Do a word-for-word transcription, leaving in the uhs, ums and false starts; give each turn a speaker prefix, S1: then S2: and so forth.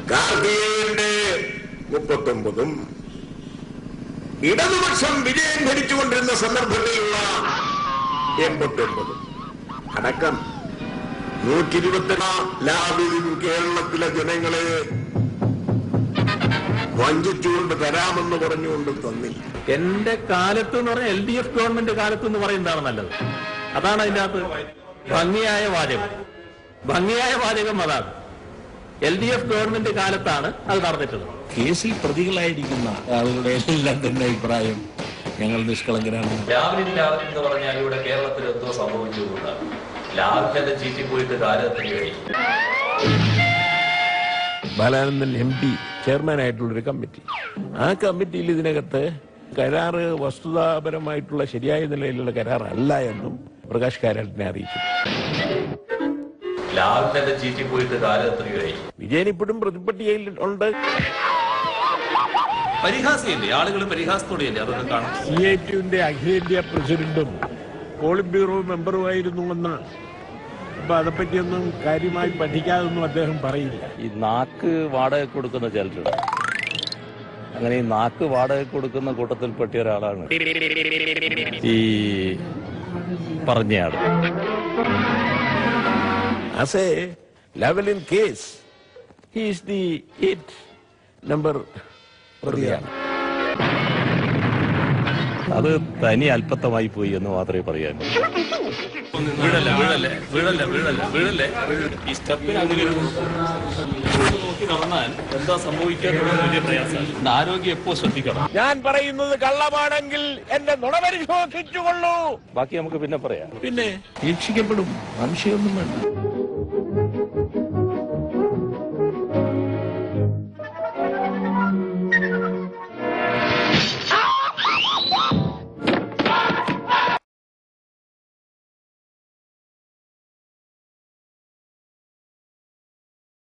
S1: കാർത്തികേയന്റെ മുപ്പത്തൊമ്പതും ഇടതുപക്ഷം വിജയം ഭരിച്ചുകൊണ്ടിരുന്ന സന്ദർഭത്തിലുള്ള എൺപത്തി ഒമ്പതും അടക്കം നൂറ്റി ഇരുപത്തെട്ടാ ലാഭിലും കേരളത്തിലെ ജനങ്ങളെ വഞ്ചിച്ചുകൊണ്ട് തരാമെന്ന് പറഞ്ഞുകൊണ്ട് തന്നില്ല.
S2: എന്റെ കാലത്ത് എന്ന് പറഞ്ഞാൽ എൽ ഡി എഫ് ഗവൺമെന്റ് കാലത്ത് എന്ന് പറയുന്നതാണ് നല്ലത്. അതാണ് അതിന്റെ അകത്ത് ഭംഗിയായ വാചകം. ഭംഗിയായ വാചകം അതാണ്. എൽ ഡി എഫ് ഗവൺമെന്റ് കാലത്താണ് അത് നടന്നിട്ടുള്ളത്.
S3: കേസിൽ പ്രതികളായിരിക്കുന്ന ആളുകളുടെ എല്ലാം തന്നെ അഭിപ്രായം ഞങ്ങൾ നിഷ്കളങ്കരാണ്.
S4: ലാവലില്ല എന്ന് പറഞ്ഞാൽ ഇവിടെ കേരളത്തിൽ എന്തോ സംഭവിച്ചുകൊണ്ടാണ്. ലാവിന്റെ ചീറ്റി പോയിട്ട് കാലത്തിന് കഴിയും.
S3: ബാലാനന്ദൻ എം പി ചെയർമാനായിട്ടുള്ളൊരു കമ്മിറ്റി, ആ കമ്മിറ്റിയിൽ ഇതിനകത്ത് കരാറ് വസ്തുതാപരമായിട്ടുള്ള ശരിയായ നിലയിലുള്ള കരാറല്ല എന്നും പ്രകാശ് കാരാട്ടിനെ അറിയിച്ചു.
S4: ലാവിന്റെ ചീറ്റി പോയിട്ട് കാലത്തിന് കഴിയും.
S3: വിജയൻ ഇപ്പോഴും പ്രതിപട്ടികയിൽ ഉണ്ട്.
S2: പരിഹാസയല്ലേ, ആളുകൾ പരിഹാസത്തോടെയല്ലേ അതൊക്കെ കാണും.
S3: സി ഐ ടിയുടെ അഖിലേന്ത്യാ പ്രസിഡന്റും പോളിറ്റ് ബ്യൂറോ മെമ്പറുമായിരുന്നുവെന്ന് അപ്പൊ അതേപ്പറ്റിയൊന്നും കാര്യമായി പഠിക്കാതൊന്നും അദ്ദേഹം പറയില്ല.
S5: ഈ നാക്ക് വാടക കൊടുക്കുന്ന ചിലരുണ്ട്. അങ്ങനെ ഈ നാക്ക് വാടക കൊടുക്കുന്ന കൂട്ടത്തിൽപ്പെട്ട ഒരാളാണ് ഈ പറഞ്ഞയാൾ.
S3: As a Lavalin case, he is the eight number പ്രതിയാണ്.
S5: അത് തനി അല്പത്തമായി പോയി എന്ന് മാത്രമേ പറയാൻ.
S2: വീഴല്ലേ വീഴല്ലേ വീഴല്ലേ വീഴല്ലേ വീഴല്ലേ ഈ സ്റ്റെപ്പിന് അങ്ങനെ നോക്കി നടന്നാൽ എന്താ സംഭവിക്കാനുള്ള വലിയ പ്രയാസമാണ്. ആരോഗ്യം എപ്പോ ശ്രദ്ധിക്കണം.
S3: ഞാൻ പറയുന്നത് കള്ളമാണെങ്കിൽ എന്നെ നുണ പരിശോധിച്ചുകൊള്ളൂ.
S5: ബാക്കി നമുക്ക് പിന്നെ പറയാം.
S3: പിന്നെ രക്ഷിക്കപ്പെടും, സംശയമൊന്നും വേണ്ട.